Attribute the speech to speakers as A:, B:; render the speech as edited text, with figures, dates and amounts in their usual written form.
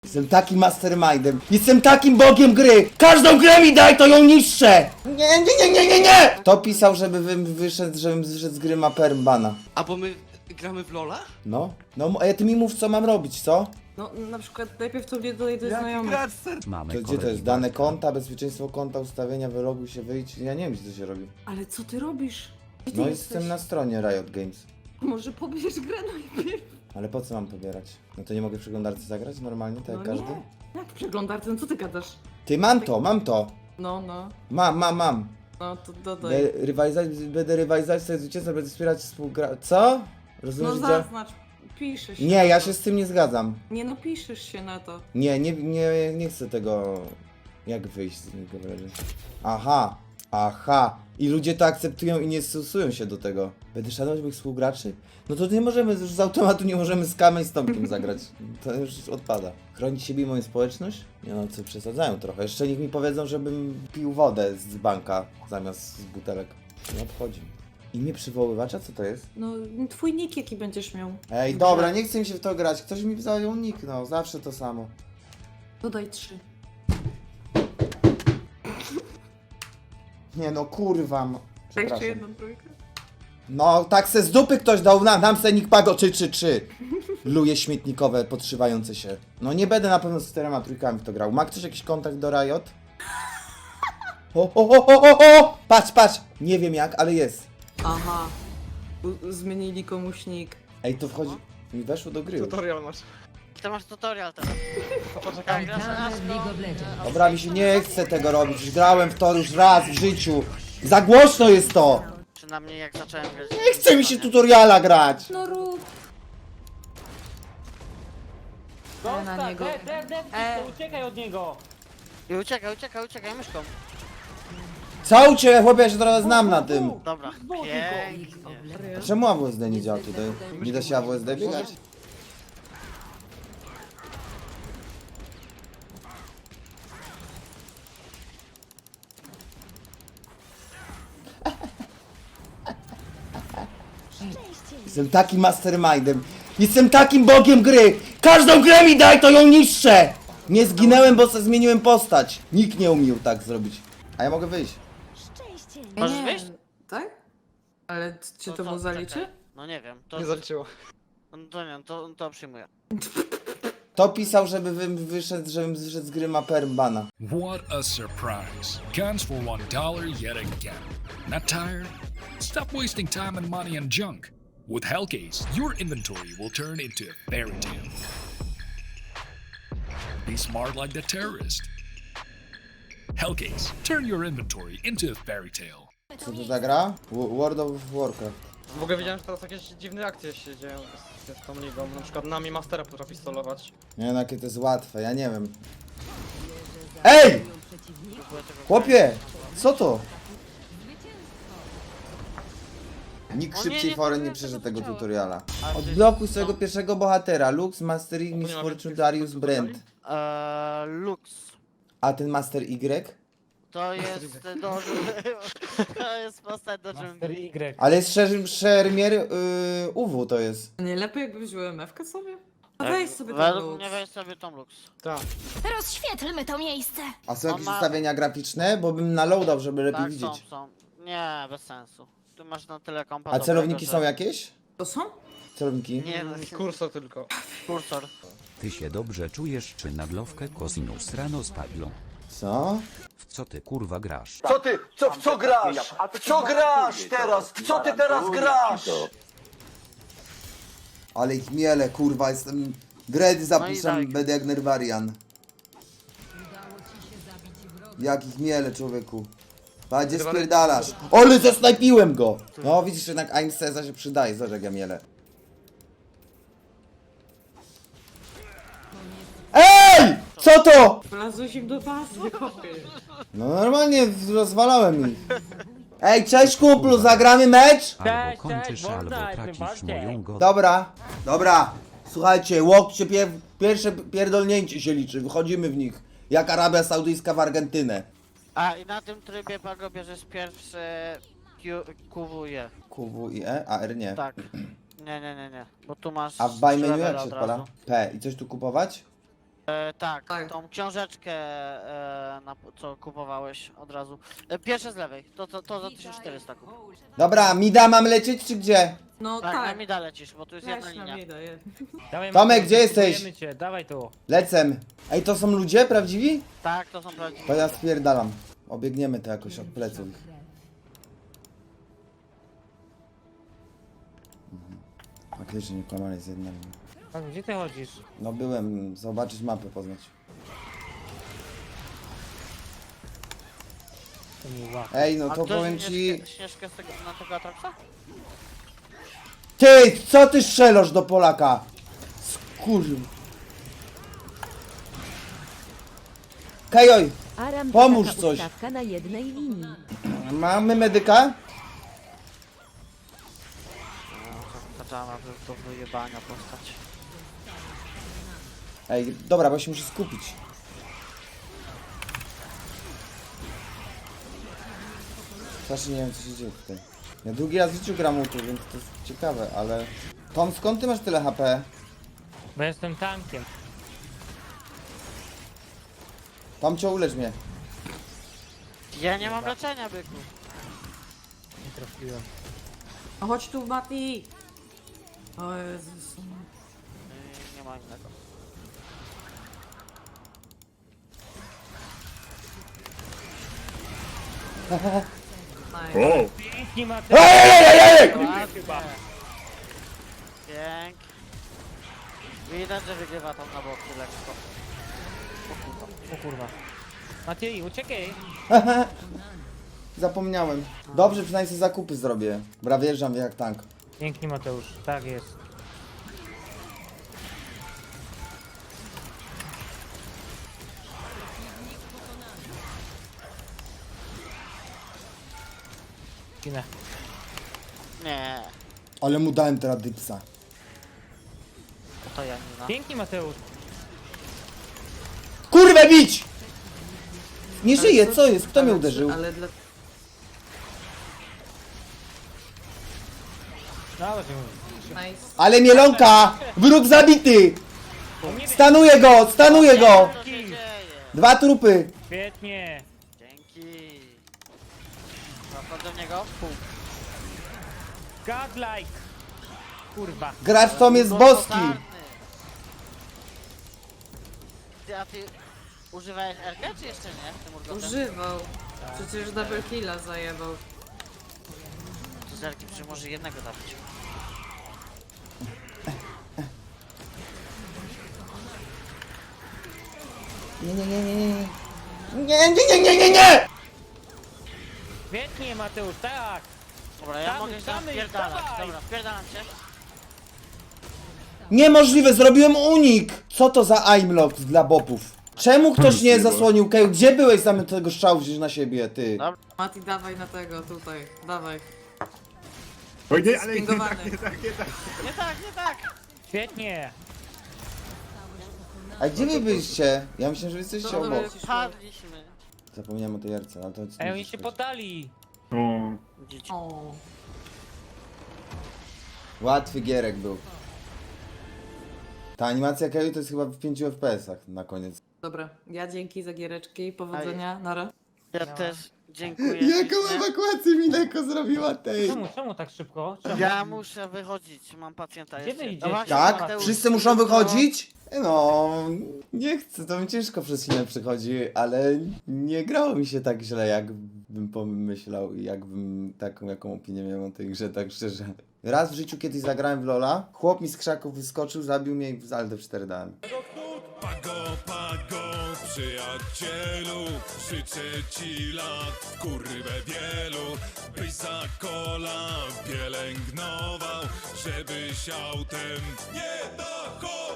A: Jestem takim mastermindem. Jestem takim bogiem gry. Każdą grę mi daj, to ją niszczę. Nie. Kto pisał, żebym wyszedł z gry ma permbana?
B: A bo my gramy w Lola?
A: No, a ty mi mów, co mam robić, co?
C: No na przykład najpierw to mnie dodaj do znajomych.
D: Mamy
A: To gdzie to jest? Dane konta, bezpieczeństwo konta, ustawienia, wyloguj się, wyjdź. Ja nie wiem, gdzie to się robi.
C: Ale co ty robisz? Gdzie ty
A: No
C: jesteś?
A: jestem na stronie Riot Games.
C: Może pobierz grę najpierw?
A: Ale po co mam pobierać? No to nie mogę w przeglądarce zagrać normalnie, tak jak
C: No
A: każdy?
C: nie. Jak w przeglądarce? No co ty gadasz?
A: Ty, mam to.
C: No.
A: Mam.
C: No to dodaj.
A: Będę rywalizować sobie zwycięstwa, będę wspierać co? Rozumiesz,
C: No
A: gdzie?
C: zaznacz. Piszesz się.
A: Nie, ja się z tym nie zgadzam.
C: Nie no, piszesz się na to.
A: Nie chcę tego... Jak wyjść z niego? Aha. I ludzie to akceptują i nie stosują się do tego. Będę szanować moich współgraczy? No to nie możemy, już z automatu nie możemy z Kamem i z Tomkiem zagrać. To już odpada. Chronić siebie i moją społeczność? Nie no, co przesadzają trochę. Jeszcze niech mi powiedzą, żebym pił wodę z banka zamiast z butelek. Nie obchodzi. Imię przywoływacza? Co to jest?
C: No twój nick jaki będziesz miał.
A: Ej, dobra, nie chcę mi się w to grać. Ktoś mi zajął nick, no. Zawsze to samo.
C: Dodaj 3.
A: Nie no, kurwa.
C: Tak, jeszcze jedną trójkę?
A: No, tak se z dupy ktoś dał, nam se nick pago 3. Luje śmietnikowe, podszywające się. No nie będę na pewno z 4 trójkami w to grał. Ma ktoś jakiś kontakt do Riot? O! Patrz! Nie wiem jak, ale jest.
C: Aha. Zmienili komuś nick.
A: Ej, to wchodzi... Mi weszło do gry już.
B: Tutorial masz.
E: Ty masz tutorial teraz.
B: To poczekaj.
E: Grasz na
A: Dobra, mi się nie chce tego robić. Już grałem w to już raz w życiu. Za głośno jest to!
E: Przynajmniej jak zacząłem grać.
A: Nie chce mi się tutoriala grać.
C: No rób. Na niego.
F: Uciekaj od niego!
E: I uciekaj myszką.
A: Co u ciebie, chłopie, ja się trochę znam na tym.
E: Dobra, pięknie.
A: A czemu AWSD nie działa tutaj? Nie da się AWSD biegać? Jestem takim mastermindem. Jestem takim bogiem gry. Każdą grę mi daj, to ją niszczę. Nie zginęłem, bo se zmieniłem postać. Nikt nie umiał tak zrobić. A ja mogę wyjść.
E: Możesz
C: Nie.
E: wyjść?
C: Tak? Ale czy to mu zaliczy?
E: czekaj. No nie wiem, to...
B: Nie zaliczyło.
E: No to nie, to przyjmuję.
A: To pisał, żebym wyszedł z gry ma permbana.
G: What a surprise. Guns for $1 yet again. Not tired? Stop wasting time and money on junk. With Hellcase, your inventory will turn into a fairy tale. Be smart like the terrorist. Hellcase, turn your inventory into a fairy tale.
A: Co to za gra? World of Warcraft.
B: W ogóle widziałem, że teraz jakieś dziwne akcje się dzieją z tą ligą. Na przykład nami Mastera potrafi solować.
A: Nie wiem, jakie to jest łatwe, ja nie wiem. Ej! Chłopie! Co to? Nikt
E: O nie,
A: szybciej
E: nie,
A: foren
E: nie,
A: nie przeszedł
E: tego
A: tego
E: chciałem.
A: tutoriala.
E: A
A: Odblokuj
E: ty-
A: swojego pierwszego bohatera. Lux, Master Y, Miss
B: mamy
A: Fortune,
B: tych
A: Darius,
B: tutoriali?
A: Brent.
E: Lux.
A: A ten Master Y?
E: To jest to jest postać do czym...
F: Master Y.
A: Ale jest szermier UW to jest.
C: Nie lepiej jakby wziął MF-kę sobie? A weź sobie ten
E: Według
C: lux.
E: mnie weź sobie tą Lux.
B: Tak.
H: Rozświetlmy to miejsce.
A: A są
E: On
A: jakieś
E: ma-
A: ustawienia graficzne? Bo bym naloadał, żeby lepiej
E: Tak,
A: widzieć.
E: są. Nie, bez sensu. Tu masz na tyle kompa
A: A celowniki
E: dobrego,
A: są
E: że-
A: jakieś?
C: To są?
A: Celowniki?
E: Nie, no,
B: Kursor tylko.
E: kursor.
D: Ty się dobrze czujesz, czy naglowkę cosinus rano spadło?
A: Co?
D: W co ty kurwa grasz?
I: Co ty, w co grasz? W co grasz teraz? W co ty teraz grasz?
A: Ale ich miele, kurwa, jestem... Dread zapiszam,
E: tak.
A: będę jak Nerwarian. Jak ich miele, człowieku. Padzie spierdalasz. Ole, zasnajpiłem go! No, widzisz, jednak Aim Ceza się przydaje, zobacz jak ja miele. EJ! Co to?
C: Wlazłeś im do bazy, kopie.
A: No normalnie rozwalałem ich. Ej, cześć kumplu, zagramy mecz?
D: Albo kończysz,
F: można,
D: albo
F: tym
D: tracisz
F: bardziej.
D: moją godność.
A: Dobra. Słuchajcie, łokcie, pierwsze pierdolnięcie się liczy, wychodzimy w nich. Jak Arabia Saudyjska w Argentynę.
E: A i na tym trybie Pago bierzesz pierwszy QWE.
A: QW i E, a R nie.
E: Tak. Nie. Bo tu masz...
A: A w buy menu
E: trzy
A: jak
E: levele
A: się
E: od
A: odpala?
E: razu.
A: P. I coś tu kupować?
E: Tak,
C: Tak.
E: tą książeczkę, co kupowałeś od razu. Pierwsze z lewej, to za 1400 kup.
A: Dobra, Mida mam lecieć czy gdzie?
C: No
E: Tak, na
C: tak.
E: mida lecisz, bo tu jest jedna
C: Weź na
E: linia.
C: mnie daję.
F: Dawaj,
A: Tomek,
F: Mateusz,
A: gdzie jesteś?
F: kupujemy Cię. Dawaj tu.
A: Lecem. Ej, to są ludzie prawdziwi?
E: Tak, to są prawdziwe.
A: To ja spierdalam. Obiegniemy to jakoś od pleców. Faktycznie nie kłamali z jednym.
F: A gdzie ty chodzisz?
A: No byłem, zobaczyć mapę, poznać.
F: To mi łap.
A: Ej, no
E: A
A: to
E: ktoś
A: powiem ci...
E: Śnieżkę z tego, na tego Atroxa?
A: Ty, co ty strzelasz do Polaka? Skurw. Kajoj,
J: Aram
A: Pomóż
J: taka
A: coś.
J: ustawka na jednej linii.
A: mamy medyka?
E: Zaczęła do wyjebania postać.
A: Ej, dobra, bo się muszę skupić. Strasznie nie wiem, co się dzieje tutaj. Ja drugi raz w życiu gram u tu, więc to jest ciekawe, ale... Tom, skąd ty masz tyle HP?
F: Bo jestem tankiem.
A: Tomcio, ulecz mnie.
E: Ja nie mam leczenia, byku.
F: Nie trafiłem.
C: No chodź tu, Mati! O Jezus.
E: Nie ma innego.
C: Nice.
F: Pięknie Mateusz.
E: Ładnie. Pięk. Widać, że wygrywa tam na boku lekko.
F: O kurwa. Matej, uciekaj.
A: Zapomniałem. Dobrze, przynajmniej sobie zakupy zrobię. Bra, wjeżdżam jak tank.
F: Pięknie Mateusz. Tak jest. Ginę.
E: Nie,
A: Ale mu dałem teraz dipsa.
E: to Janina.
F: Pięknie Mateusz.
A: Kurwę bić! Nie żyje,
C: Ale
A: co jest? Kto mnie
C: ale-
A: uderzył?
C: Ale dla...
F: Dawaj, ty mówisz.
C: Nice.
A: Ale mielonka! Wróg zabity! Stanuję go! Stanuję go!
E: Co się dzieje?
A: 2 trupy!
F: Świetnie.
E: Dzięki. Zapadł do niego. Pół.
F: Godlike. Kurwa.
A: Gracz Tom jest boski!
E: Totalny. A ty używałeś RK czy jeszcze nie? Tym urgotem?
C: Używał. Przecież double killa zajebał.
E: To z RK przy może jednego zabić.
A: Nie, nie, nie, nie, nie. Nie, nie, nie, nie, nie, nie!
F: Świetnie Mateusz, tak.
E: Dobra, ja
F: Damy,
E: mogę się
F: damy,
E: wpierdalać.
F: dawaj.
E: Dobra, wpierdalam się.
A: Niemożliwe, zrobiłem unik! Co to za aimlock dla bopów? Czemu ktoś nie zasłonił Keju? Gdzie byłeś zamiast tego strzału wziąć na siebie, ty?
E: Dobra.
C: Mati, dawaj na tego, tutaj. Dawaj.
K: Oj, nie, ale nie
C: Spingowany.
K: tak, nie tak, nie tak.
E: Nie tak, nie tak.
F: Świetnie.
A: A gdzie wy byliście? Ja myślałem, że wy jesteście
C: Dobra,
A: obok.
E: Padliśmy.
A: Zapomniałem o tej jarce, ale to...
F: Ej, oni się poddali.
K: O,
E: Dzieci.
C: O.
A: Łatwy gierek był. Ta animacja Keju to jest chyba w 5 FPS-ach na koniec.
C: Dobra, ja dzięki za giereczki, powodzenia, nara.
E: Ja też dziękuję.
A: Jaką
E: ślicznie.
A: ewakuację Mineko zrobiła tej?
F: Czemu tak szybko? Czemu?
E: Ja muszę wychodzić, mam pacjenta
F: Gdzie
E: jeszcze.
F: wy idziecie?
E: właśnie,
A: Tak?
E: Mateusz,
A: Wszyscy muszą wychodzić? No, nie chcę, to mi ciężko przez chwilę przychodzi, ale nie grało mi się tak źle, jakbym pomyślał i jakbym taką, jaką opinię miał o tej grze, tak szczerze. Raz w życiu kiedyś zagrałem w LoL'a, chłop mi z krzaków wyskoczył, zabił mnie i w Aldę 4 dałem.
G: Pago, przyjacielu, życzę ci lat, kurwę wielu, byś za kola pielęgnował, żebyś autem nie dochodził.